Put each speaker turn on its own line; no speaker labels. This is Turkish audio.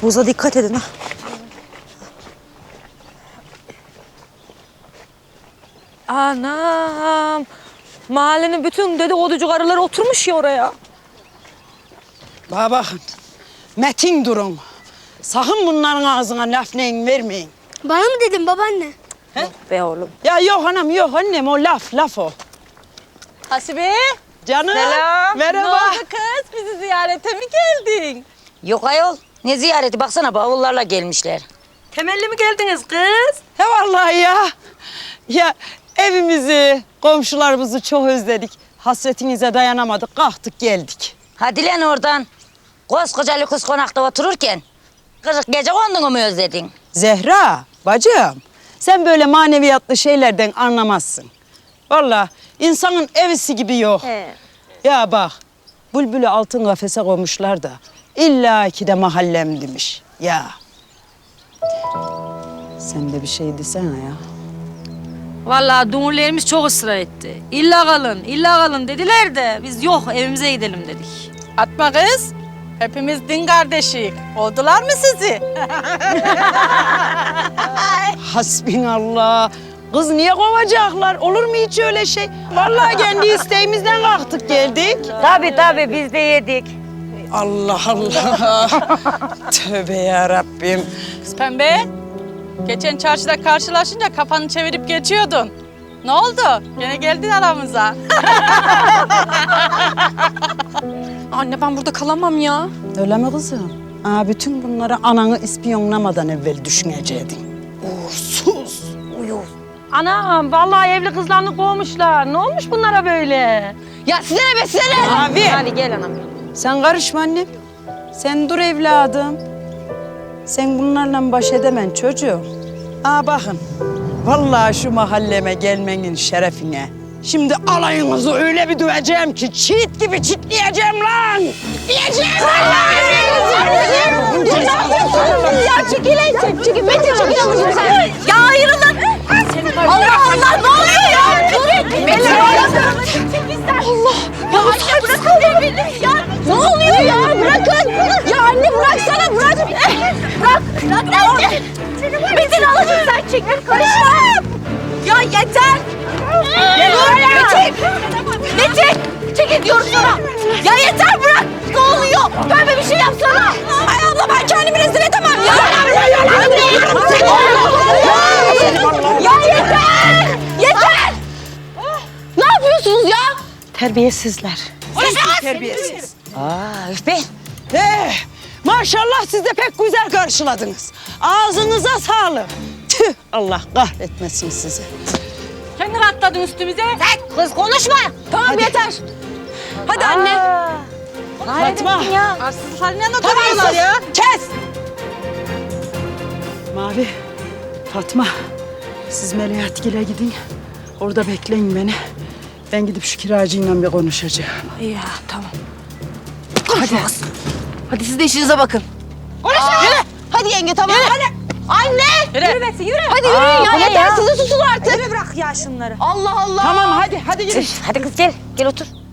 buza dikkat edin ha.
Anam. Mahallenin bütün dedikoducu karıları oturmuş ya oraya.
Bana bakın. Metin durun. Sakın bunların ağzına laf neyin vermeyin.
Bana mı dedin babaanne?
Be oğlum.
Ya yok anam yok annem o laf o.
Hasibe.
Canım.
Selam.
Merhaba.
Ne oldu kız? Bizi ziyarete mi geldin?
Yok ayol. Ne ziyareti? Baksana bavullarla gelmişler.
Temelli mi geldiniz kız?
He vallahi ya. Ya evimizi, komşularımızı çok özledik. Hasretinize dayanamadık. Kalktık geldik.
Hadi lan oradan. Koskoca lüks konakta otururken 40 gece konduğunu mu özledin?
Zehra, bacım. Sen böyle maneviyatlı şeylerden anlamazsın. Vallahi insanın evisi gibi yok.
He.
Ya bak, bülbülü altın kafese koymuşlar da illa ki de mahallem demiş. Ya. Sen de bir şey desene ya.
Vallahi dumurlarımız çok ısrar etti. İlla kalın dediler de biz yok evimize gidelim dedik.
Atma kız. Hepimiz din kardeşiyik. Oldular mı sizi?
Hasbinallah. Kız niye kovacaklar? Olur mu hiç öyle şey? Vallahi kendi isteğimizden kalktık geldik.
Tabii biz de yedik.
Allah Allah. Tövbe ya Rabbim.
Kız pembe. Geçen çarşıda karşılaşınca kafanı çevirip geçiyordun. Ne oldu? Gene geldin aramıza.
Anne ben burada kalamam ya.
Öyle mi kızım? Aa, bütün bunları ananı ispiyonlamadan evvel düşüneceydin. Uğursuz.
Anam vallahi evli kızlarını kovmuşlar. Ne olmuş bunlara böyle?
Ya size ne be size ne?
Abi.
Hadi gel anam.
Sen karışma annem. Sen dur evladım. Sen bunlarla baş edemen çocuğum. Aa bakın. Vallahi şu mahalleme gelmenin şerefine. Şimdi alayınızı öyle bir döveceğim ki çiğit gibi çitleyeceğim lan. Diyeceğim lan.
Ya çekilin. Çekil. Metin çekil ablacığım sen. Ya ayrılın. Allah Allah ne oluyor ya? Durun. Metin Allah. Ya bırakın beni. Ya ne oluyor ya? Bırakın. Ya anne bıraksana bırak. Bırak anne. Metin ablacığım sen çekil. Karışma. Ya yeter. Metin! Çekil diyorum sana! Ya yeter bırak! Ne oluyor? Pembe bir şey yapsana! Ay abla ben kendimi rezil edemem ya! Ya yeter! Yeter! Ne yapıyorsunuz ya?
Terbiyesizler. Terbiyesiz.
Üf be.
Maşallah siz de pek güzel karşıladınız. Ağzınıza sağlık. Tüh, Allah kahretmesin sizi.
Kendin atladın üstümüze.
Kız konuşma.
Tamam yeter. Hadi anne.
Fatma.
Arsız haline oturuyorlar ya.
Kes! Mavi, Fatma. Siz Melahatgil'e gidin. Orada bekleyin beni. Ben gidip şu kiracıyla bir konuşacağım.
İyi tamam.
Hadi siz de işinize bakın.
Hadi yenge tamam. Hadi. Anne.
Yürü Metin yürü.
Hadi yürüyün ya yeter sizi susun artık.
Yürü bırak ya şunları.
Allah Allah.
Tamam hadi gidin.
Hadi kız gel otur.